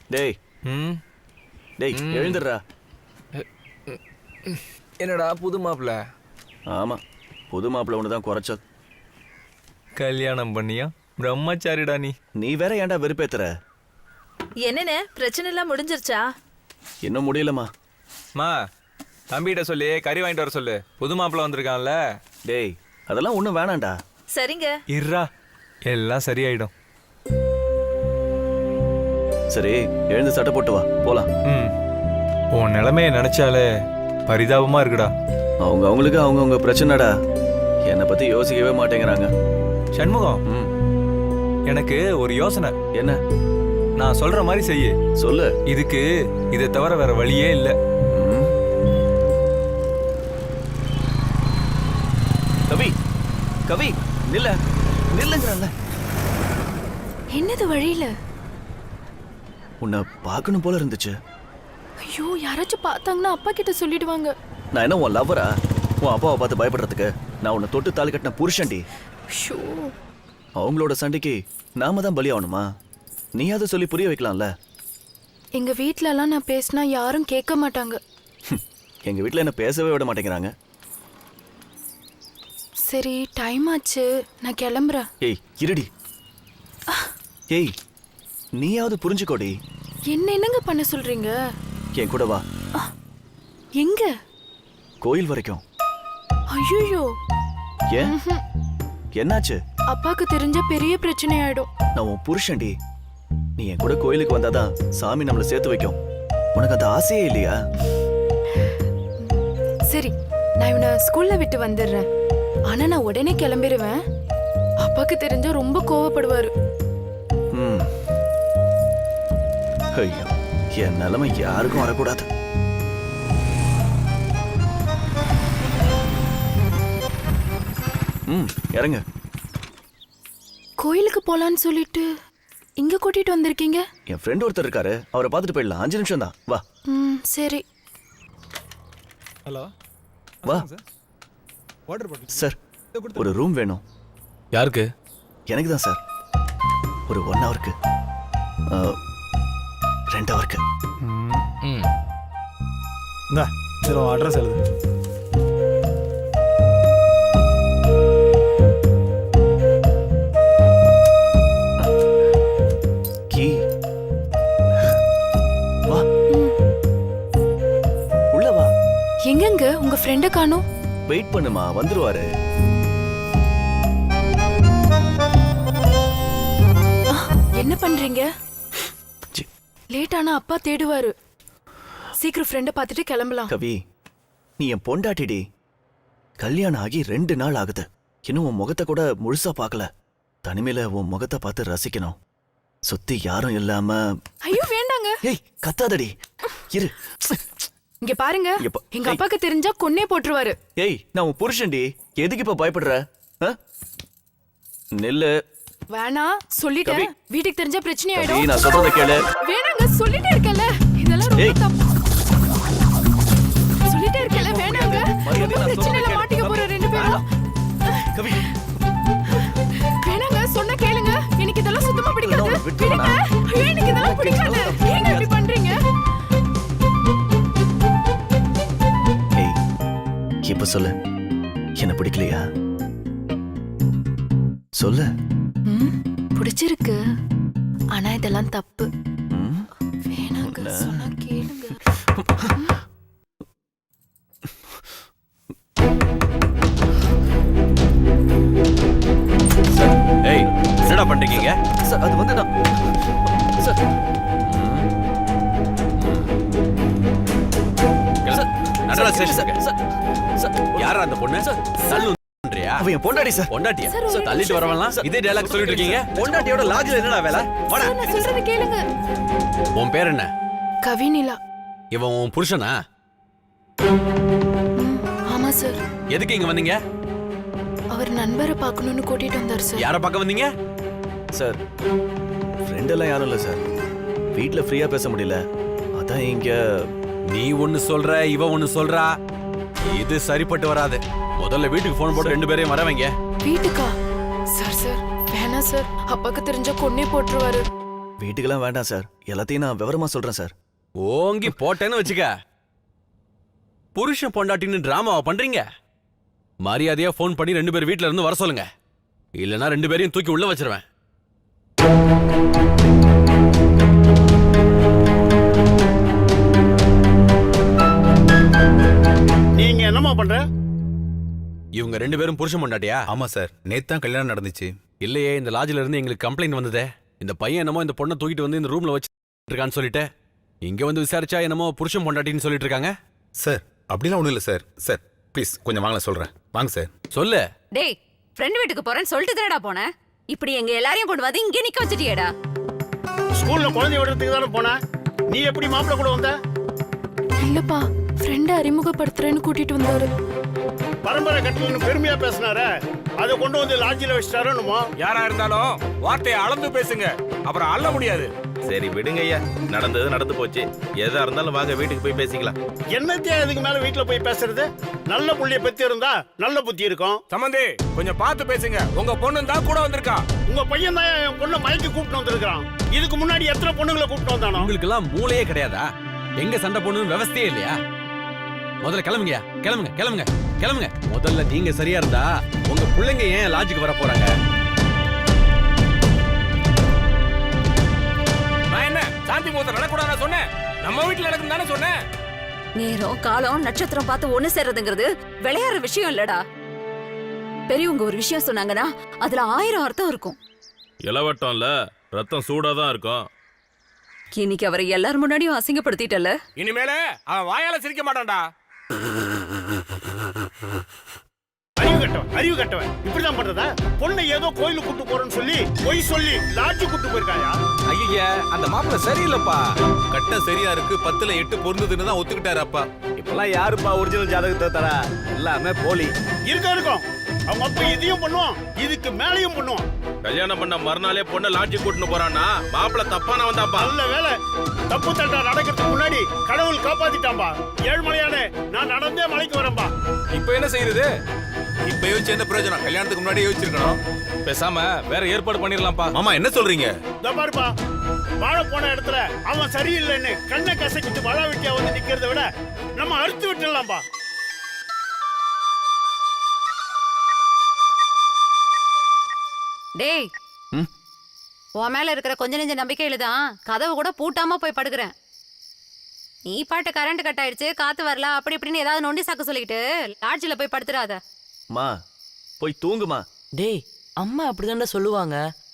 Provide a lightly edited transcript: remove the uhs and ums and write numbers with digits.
டேய் டேய் எழுந்துடுறா. என்னடா புது மாப்பிள்ள? ஆமா, புது மாப்பிள்ள ஒன்று தான் குறைச்சது. கல்யாணம் பண்ணியா? பிரம்மச்சாரிடா நீ. நீ வேற ஏன்டா வெறுப்பேத்துற? என்னென்ன பிரச்சனை எல்லாம் முடிஞ்சிருச்சா? இன்னும் முடியலம்மா. மா தம்பிகிட்ட சொல்லி கறி வாங்கிட்டு வர சொல்லு, புது மாப்பிள்ள வந்திருக்கான்ல. டேய் அதெல்லாம் ஒன்றும் வேணாண்டா. சரிங்க. இருடா, எல்லாம் சரியாயிடும். சரி எழுந்து சட்டை போட்டு வா போலாம். உன் நிலைமையை நினைச்சாலே பரிதாபமா இருக்குடா. அவங்களுக்கு அவங்கவுங்க பிரச்சனைடா. என்னை பத்தி யோசிக்கவே மாட்டேங்கிறாங்க. சண்முகம், எனக்கு ஒரு யோசனை. என்ன? நான் சொல்ற மாதிரி செய்யு. சொல்லு. இதுக்கு இதை தவிர வேற வழியே இல்லை. கவி கவி நில்லுங்கிறல்ல. என்னது வழியில? உன்னை பார்க்கணும் போல இருந்துச்சு. ஐயோ, யாராச்சும் பார்த்தாங்கன்னா அப்பா கிட்ட சொல்லிடுவாங்க. நான் என்ன உன் லவ்வரா? உன் அப்பாவை பார்த்து பயப்படுறதுக்கு? நான் உன்னை தொட்டு தாலி கட்டின புருஷன்டி. அவங்களோட சண்டைக்கு நாம தான் பலியாகணுமா? நீ அதை சொல்லி புரிய வைக்கலாம்ல. எங்க வீட்லலாம் நான் பேசினா யாரும் கேட்க மாட்டாங்க. எங்க வீட்டில் என்ன பேசவே விட மாட்டேங்கிறாங்க. சரி, டைம் ஆச்சு, நான் கிளம்புறேன். ஏய் இருடி. ஏய் நீயாவது புரிஞ்சுக்கோடி. என்னங்க பண்ண சொல்றீங்க? என் கூட வா. எங்க? கோயில் வரைக்கும். ஐயோ, ஏன் என்னாச்சு? அப்பாக்கு தெரிஞ்ச பெரிய பிரச்சனை ஆயிடும். நான் உன் புருஷன்டி. நீ என் கூட கோயிலுக்கு வந்தாதான் சாமி நம்மளை சேர்த்து வைக்கும். உனக்கு அந்த ஆசையே இல்லையா? சரி, நான் இவனை ஸ்கூல்ல விட்டு வந்துடுறேன். ஆனா நான் உடனே கிளம்பிடுவேன். அப்பாக்கு தெரிஞ்சா ரொம்ப கோவப்படுவாரு. ஐயோ, என் நிலைமை யாருக்கும் வரக்கூடாது. இறங்க. கோயிலுக்கு போலான்னு சொல்லிட்டு இங்க கூட்டிட்டு வந்திருக்கீங்க? என் ஃப்ரெண்ட் ஒருத்தர் இருக்காரு, அவரை பார்த்துட்டு போயிடலாம். 5 நிமிஷம் தான். வா. சரி. ஹலோ, வா. வாட்டர் பாட்டில் சார், ஒரு ரூம் வேணும். யாருக்கு? எனக்கு தான் சார். ஒரு 1 ஹவருக்கு, 2 ஹவருக்கு. இந்தா, சரி அட்ரஸ் எழுது. கீ. வா, உள்ள வா. எங்கங்க உங்க ஃப்ரெண்ட காணோம்? வெயிட் பண்ணுமா, வந்துருவாரு. என்ன பண்றீங்க? லேட் ஆனா அப்பா தேடுவாரு. சீக்கிரம் ஃப்ரெண்ட பார்த்துட்டு கிளம்பலாம். கவி, நீ என் பொண்டாட்டிடி. கல்யாணம் ஆகி 2 நாள் ஆகுது. இன்னும் உன் முகத்தை கூட முழுசா பார்க்கல. தனிமையில உன் முகத்தை பார்த்து ரசிக்கணும். சுத்தி யாரும் இல்லாம. ஐயோ வேண்டாங்க. ஏய் கத்தாதடி. இரு. இங்க பாருங்க, எங்க அப்பாக்கு தெரிஞ்சா கொன்னே போட்டுருவாரு. ஏய், நான் உன் புருஷன்டி. எதுக்கு இப்ப பயப்படுற? நெல்லு. வேணா சொல்லிட்டேன். வீட்டுக்கு தெரிஞ்சா பிரச்சனை ஆயிடும். நான் சொல்றத கேளு. வேணாங்க, சொல்லிட்டே இருக்கல. இதெல்லாம் ரொம்ப தப்பு. சொல்லிட்டே இருக்கல, வேணாங்க. பிரச்சனைல மாட்டிக்க போற 2 பேரும். கவி, வேணாங்க, சொன்னா கேளுங்க. எனக்கு இதெல்லாம் சுத்தமா பிடிக்காது. விடுங்க. ஐயோ, எனக்கு இதெல்லாம் பிடிக்காது. ஏங்க இப்படி பண்றீங்க? ஏய், இப்ப சொல்லு. என்ன பிடிக்கலையா? சொல்லு. பிடிச்சிருக்கு, ஆனா இதெல்லாம் தப்பு. வேணாங்க, சொன்னா கேளுங்க. ஏய், என்னடா பண்றீங்க? சார், அது வந்து நான் சார். நடரா ஸ்டேஷன். சார், யாரா அந்த பொண்ணு? தள்ளு பண்றியா? அவ என் பொண்டாட்டி சார். பொண்டாட்டியா? தள்ளிட்டு வரவலாம் இதே டயலாக் சொல்லிட்டு இருக்கீங்க. பொண்டாட்டியோட லாஜ்ல என்னடா வேலை? வாடா. நான் சொல்றத கேளுங்க. உன் பேர் என்ன? கவினிலா. இவன் உன் புருஷனா? ஆமா சார். எதுக்கு இங்க வந்தீங்க? அவர் நண்பரை பார்க்கணும்னு கூட்டிட்டு வந்தார் சார். யாரை பார்க்க வந்தீங்க? சார், ஃப்ரெண்ட் எல்லாம் யாரும் இல்ல சார். வீட்ல ஃப்ரீயா பேச முடியல, அதான் இங்க. நீ ஒன்னு சொல்ற, இவ ஒன்னு சொல்றா. இது சரிப்பட்டு வராது. முதல்ல வீட்டுக்கு போன் போட்டு 2 பேரையும் வர வைங்க. வீட்டுக்கா? சார் வேணா சார், அப்பாக்கு தெரிஞ்சா கொன்னே போட்டுருவாரு. வீட்டுக்கெல்லாம் வேண்டாம் சார். எல்லாத்தையும் நான் விவரமா சொல்றேன் சார். ஓங்கி போட்டேன்னு வச்சுக்க. புருஷன் பொண்டாட்டின்னு டிராமாவா பண்றீங்க? மரியாதையா ஃபோன் பண்ணி 2 பேர் வீட்ல இருந்து வர சொல்லுங்க. இல்லனா 2 பேரையும் தூக்கி உள்ள வச்சிருவேன். நீங்க என்னமா பண்ற? இவங்க 2 பேரும் புருஷன் பொண்டாட்டியா? ஆமா சார், நேத்து தான் கல்யாணம் நடந்துச்சு. இல்லையே, இந்த லாட்ஜ்ல இருந்து எங்களுக்கு கம்ப்ளைண்ட் வந்ததே. இந்த பையன் என்னமோ இந்த பொண்ணை தூக்கிட்டு வந்து இந்த ரூம்ல வச்சிருக்கான்னு சொல்லிட்டு இங்க வந்து விசாரிச்சா என்னமோ புருஷன் பொண்டாட்டின்னு சொல்லிட்டு இருக்காங்க. சார் அப்படிலாம் ஒண்ணும் இல்ல சார். சார் ப்ளீஸ் கொஞ்சம் வாங்கல சொல்றேன். வாங்க சார். சொல்லு. டேய், ஃப்ரெண்ட் வீட்டுக்கு போறேன்னு சொல்லிட்டு தானடா போனேன். இப்படி எங்க எல்லாரையும் கொண்டு வந்து இங்கே நிக்க வச்சிட்டியேடா. ஸ்கூல்ல குழந்தை விடுறதுக்கு தானே போன. நீ எப்படி மாப்பிள்ள கூட வந்த? இல்லப்பா, ஃப்ரெண்டை அறிமுகப்படுத்துறேன்னு கூட்டிட்டு வந்தாரு. பரம்பரை கட்டலன்னு பெருமையா பேசினார, அதை கொண்டு வந்து லாட்ஜில வச்சிட்டாரோன்னுமோ. யாரா இருந்தாலும் வார்த்தையை அளந்து பேசுங்க, அப்புறம் அள்ள முடியாது. சரி விடுங்க ஐயா, நடந்தது நடந்து போச்சு. எதா இருந்தாலும் வாங்க வீட்டுக்கு போய் பேசிக்கலாம். என்னத்தையா இதுக்கு மேல வீட்டுல போய் பேசுறது? நல்ல புள்ளைய பத்தி இருந்தா நல்ல புத்தி இருக்கும். சம்பந்தி, கொஞ்சம் பார்த்து பேசுங்க. உங்க பொண்ணு தான் கூட வந்திருக்கா. உங்க பையன் தான் என் பொண்ணை மயக்கி கூப்பிட்டு வந்திருக்கான். இதுக்கு முன்னாடி எத்தனை பொண்ணுங்களை கூப்பிட்டு வந்தானோ? உங்களுக்கு எல்லாம் மூளையே கிடையாதா? எங்க சண்டை போடணும்னு விவசாயே இல்லையா? முதல்ல கிளம்புங்க, கிளம்புங்க, கிளம்புங்க, கிளம்புங்க. முதல்ல நீங்க சரியா இருந்தா உங்க பிள்ளைங்க ஏன் லாட்ஜுக்கு வர போறாங்க? நான் என்ன சாந்தி முகூர்த்தம் நடக்கூடாது சொன்னேன்? நம்ம வீட்டுல நடக்கும் தானே சொன்னேன். நேரம் காலம் நட்சத்திரம் பார்த்து ஒண்ணு சேர்றதுங்கிறது விளையாடுற விஷயம் இல்லடா. பெரியவங்க ஒரு விஷயம் சொன்னாங்கன்னா அதுல 1000 அர்த்தம் இருக்கும். இளவட்டம்ல ரத்தம் சூடா தான் இருக்கும். இன்னைக்கு அவரை எல்லாரும் முன்னாடியும் அசிங்கப்படுத்திட்டல. இனிமேல அவன் வாயால சிரிக்க மாட்டான்டா. அறிவு கட்டவன் இப்படிதான் பண்றதா? பொண்ணை ஏதோ கோயிலுக்கு கூட்டு போறேன்னு சொல்லி பொய் சொல்லி லாட்ஜி கூட்டு போயிருக்காயா? ஐயா, அந்த மாப்பிள்ள சரியில்லைப்பா. கட்டம் சரியா இருக்கு, 10ல 8 பொருந்ததுன்னு தான் ஒத்துக்கிட்டாரு அப்பா. இப்பெல்லாம் யாருப்பா ஒரிஜினல் ஜாதகத்தை தரா? எல்லாமே போலி. இருக்கும். அவங்க அப்பா இதையும் பண்ணுவான், இதுக்கு மேலையும் பண்ணுவான். கல்யாணம் பண்ண மறுநாளே பொண்ணை லாட்ஜி கூட்டின்னு போறான்னா மாப்பிள்ள தப்பான வந்தாப்பா. நல்ல வேலை, தப்பு தட்டா நடக்கிறதுக்கு முன்னாடி கடவுள் காப்பாத்திட்டான்பா. ஏழ்மலையானே, நான் நடந்தே மலைக்கு வரேன்பா. இப்ப என்ன செய்யறது? இப்ப யோசிச்சு என்ன பிரயோஜனம்? கல்யாணத்துக்கு முன்னாடி யோசிச்சிருக்கணும். பேசாம வேற ஏற்பாடு பண்ணிடலாம்ப்பா. மாமா என்ன சொல்றீங்க? இதோ பாருப்பா, வாழ போன இடத்துல அவன் சரியில்லைன்னு கண்ணை கசக்கிட்டு வாழ வெட்டியா வந்து நிக்கிறத விட நம்ம அறுத்து விட்டுடலாம்பா. டேய், உன் மேல இருக்கிற கொஞ்ச நெஞ்ச நம்பிக்கையில தான் கதவு கூட பூட்டாம போய் படுக்கிறேன். நீ பாட்டு கரண்ட் கட் ஆயிடுச்சு, காத்து வரல, அப்படி இப்படின்னு ஏதாவது நொண்டி சாக்கு சொல்லிட்டு லாட்ஜில போய் படுத்துறாத. மா போய் தூங்குமா. டேய், அம்மா அப்படிதான்டா சொல்லுவாங்க.